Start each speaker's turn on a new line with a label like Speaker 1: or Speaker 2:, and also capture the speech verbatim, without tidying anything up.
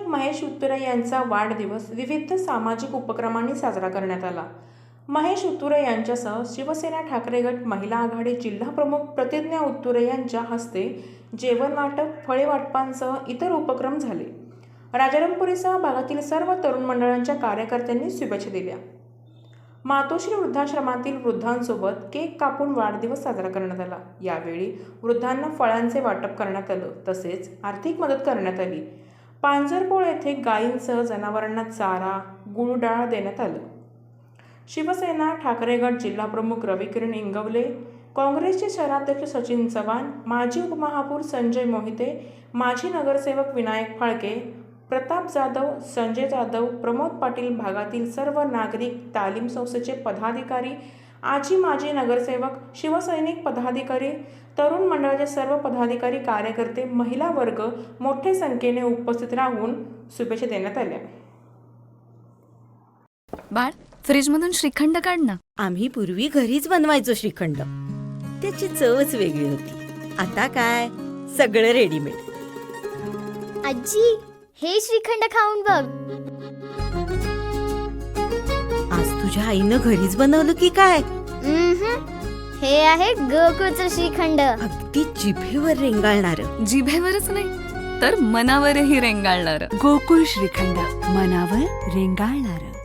Speaker 1: शिक्षक महेश उत्तुरे यांचा वाढदिवस विविध सामाजिक उपक्रमांनी साजरा करण्यात आला। महेश उत्तुरे यांच्यासह शिवसेना ठाकरे गट महिला आघाडी जिल्हा प्रमुख प्रतिज्ञा उत्तुरे यांच्या हस्ते जेवण वाटप, फळे वाटपांसह इतर उपक्रम झाले। राजारामपुरीसह भागातील सर्व तरुण मंडळांच्या कार्यकर्त्यांनी शुभेच्छा दिल्या। मातोश्री वृद्धाश्रमातील वृद्धांसोबत केक कापून वाढदिवस साजरा करण्यात आला। यावेळी वृद्धांना फळांचे वाटप करण्यात आलं, तसेच आर्थिक मदत करण्यात आली। पांजरपोळ येथे गायींसह जनावरांना चारा, गुळ डाळ देण्यात आलं। शिवसेना ठाकरे गट जिल्हा प्रमुख रविकिरण इंगवले, काँग्रेसचे शहराध्यक्ष सचिन चव्हाण, माजी उपमहापौर संजय मोहिते, माजी नगरसेवक विनायक फाळके, प्रताप जाधव, संजय जाधव, प्रमोद पाटील, भागातील सर्व नागरिक, तालीम संस्थेचे पदाधिकारी, आजी माजी नगरसेवक, शिवसैनिक पदाधिकारी, तरुण मंडळाचे सर्व पदाधिकारी, कार्यकर्ते, महिला वर्ग मोठ्या संख्येने उपस्थित राहून शुभेच्छा देण्यात आल्या।
Speaker 2: बाळ, फ्रीजमधून श्रीखंड काढ ना।
Speaker 3: आम्ही पूर्वी घरीच बनवायचो श्रीखंड, त्याची चवच वेगळी होती। आता काय सगळं रेडीमेड।
Speaker 4: आजी, हे श्रीखंड खाऊन बघ।
Speaker 3: आज तुझ्या आईनं घरीच बनवलं की काय?
Speaker 4: हे आहे गोकुळचं श्रीखंड,
Speaker 3: अगदी जिभेवर रेंगाळणार।
Speaker 2: जिभेवरच नाही तर मनावरही रेंगाळणार।
Speaker 5: गोकुळ श्रीखंड, मनावर रेंगाळणार।